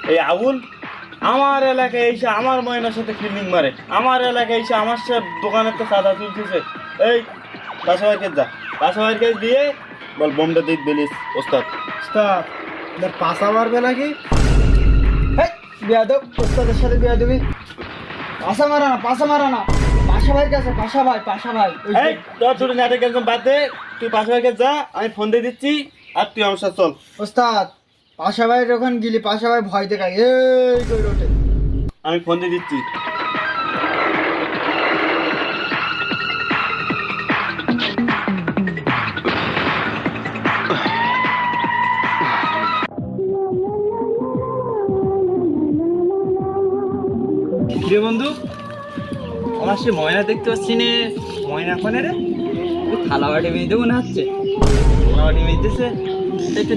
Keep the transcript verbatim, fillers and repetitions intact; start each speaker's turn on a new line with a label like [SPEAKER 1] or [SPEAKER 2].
[SPEAKER 1] এই আবুল আমার এলাকায় এসে আমার ময়নার সাথে ফিল্ডিং মারে, আমার এলাকায় এসে আমার সাথে দোকানের তো চাঁদা তুলতেছে। এই পাশাবাড়িকে যা, পাশাবাড়িকে দিয়ে বল বোমটা দিক বেলিস ওস্তাদ।
[SPEAKER 2] ওস্তাদ এবার পাশা মারবে নাকি? হেই বিয়াদব, ওস্তাদের সাথে বিয়াদবি। পাশা মারা না, পাশা মারা না, পাশা ভাই কাছে, পাশা ভাই, পাশা ভাই। ওই যে-
[SPEAKER 1] এই তোর ছোট নাটক একদম বাদ দে, তুই পাশাবাড়িকে যা, আমি ফোন দিয়ে দিচ্ছি আর তুই আমার সাথে চল।
[SPEAKER 2] ওস্তাদ পাশা ভাইয়ের ওখান গেলি পাশা ভাই ভয় দেখায়, এই কই ওঠে।
[SPEAKER 1] আমি ফোন দিয়ে দিচ্ছি।
[SPEAKER 3] রে বন্ধু, আমার সে ময়না দেখতে পাচ্ছি নে। ময়না কোনে রে? থালা বাটি মেয়ে দেবো না হচ্ছে, থালা বাটি মেয়ে দিতেছে।